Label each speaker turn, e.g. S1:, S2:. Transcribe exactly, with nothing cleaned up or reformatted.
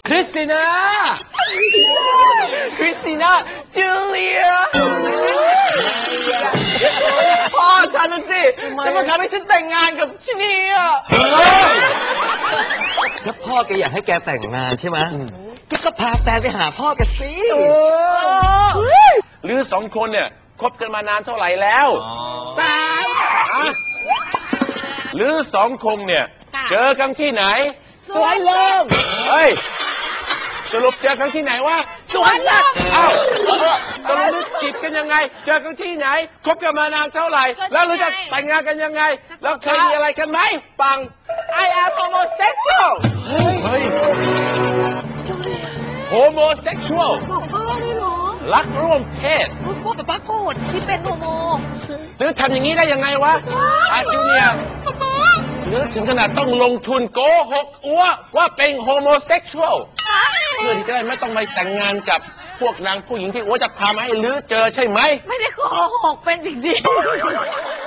S1: คริสติน่าคริสติน่าจูเลียพ่อฉันน่ะสิจะมาทำให้ฉันแต่งงานกับชินีอ่ะแล้วพ่อแกอยากให้แกแต่งงานใช่ไหมแกก็พาแฟนไปหาพ่อแกสิ
S2: หรือสองคนเนี่ยคบกันมานานเท่าไหร่แล้ว
S1: สาม
S2: หรือสองคงเนี่ยเจอกันที่ไหน
S1: สวนลม
S2: เฮ้ยสรุปเจอกันที่ไหนวะ
S1: สวนลม
S2: เอ้าตกลงจีบกันยังไงเจอกันที่ไหนคบกันมานานเท่าไหร่แล้วเราจะแต่งงานกันยังไงแล้วเคยมีอะไรกันไหมปัง
S1: I am homosexual
S2: เฮ้ย homosexual
S3: บอกพ่อได้เหรอ
S2: รักร่วมเพศ
S3: พ่อกับป้าโกรธที่เป็นโฮโม
S2: หรือทำอย่างนี้ได้ยังไงวะอาจูเนียหรือถึงขนาดต้องลงทุนโกหกอัวว่าเป็นโฮโมเซ็กชวลเพื่อที่จะได้ไม่ต้องไปแต่งงานกับพวกนางผู้หญิงที่อัวจะพามาให้ลือเจอใช่ไหม
S3: ไม่ได้โกหกเป็นจริงๆ